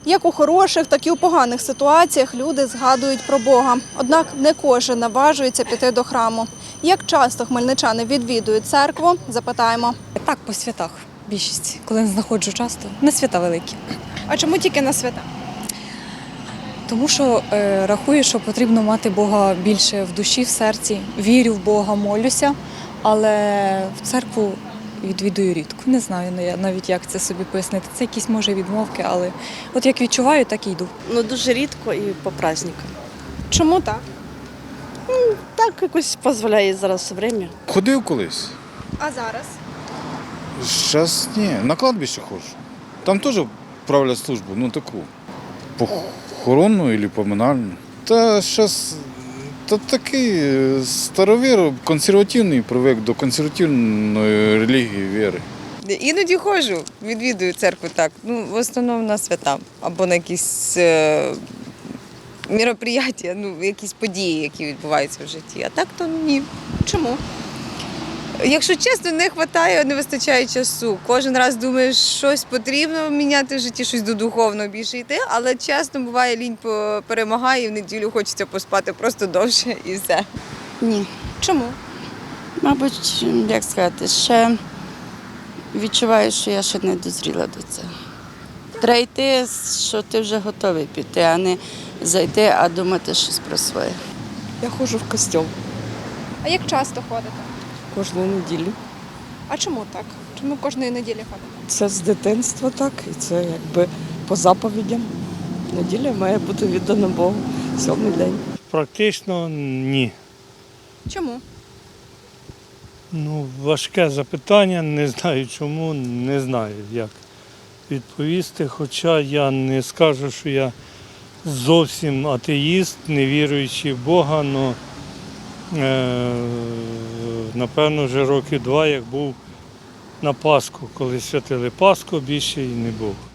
Як у хороших, так і у поганих ситуаціях люди згадують про Бога. Однак не кожен наважується піти до храму. Як часто хмельничани відвідують церкву, запитаємо. Так, по святах більшість. Коли не знаходжу часто, не свята великі. А чому тільки на свята? Тому що рахую, що потрібно мати Бога більше в душі, в серці. Вірю в Бога, молюся, але в церкву відвідую рідко. Не знаю навіть, як це собі пояснити. Це якісь, може, відмовки, але от як відчуваю, так і йду. Дуже рідко і по праздникам. Чому так? Так якось дозволяє зараз время. Ходив колись. А зараз? Зараз ні, на кладбище ходжу. Там теж правлять службу, таку похоронну або поминальну. Та зараз такий старовір, консервативний, привик до консервативної релігії, віри. Іноді ходжу, відвідую церкву так. В основному на свята або на якісь мероприятия, якісь події, які відбуваються в житті. А так то ні. Чому? Якщо чесно, не вистачає, не вистачає часу. Кожен раз думаєш, щось потрібно міняти в житті, щось до духовного більше йти, але чесно, буває, лінь перемагає, і в неділю хочеться поспати просто довше і все. Ні. Чому? Мабуть, як сказати, ще відчуваю, що я ще не дозріла до цього. Треба йти, що ти вже готовий піти, а не зайти, а думати щось про своє. Я ходжу в костьол А як часто ходите? кожну неділю. А чому так? Чому кожної неділі ходите? Це з дитинства так, і це якби по заповідям. Неділя має бути віддана Богу. 7-й день. Практично ні. Чому? Важке запитання, не знаю чому, не знаю, як відповісти. Хоча я не скажу, що я зовсім атеїст, не віруючий в Бога, але напевно вже років 2, як був на Пасху, коли святили Пасху, більше і не був.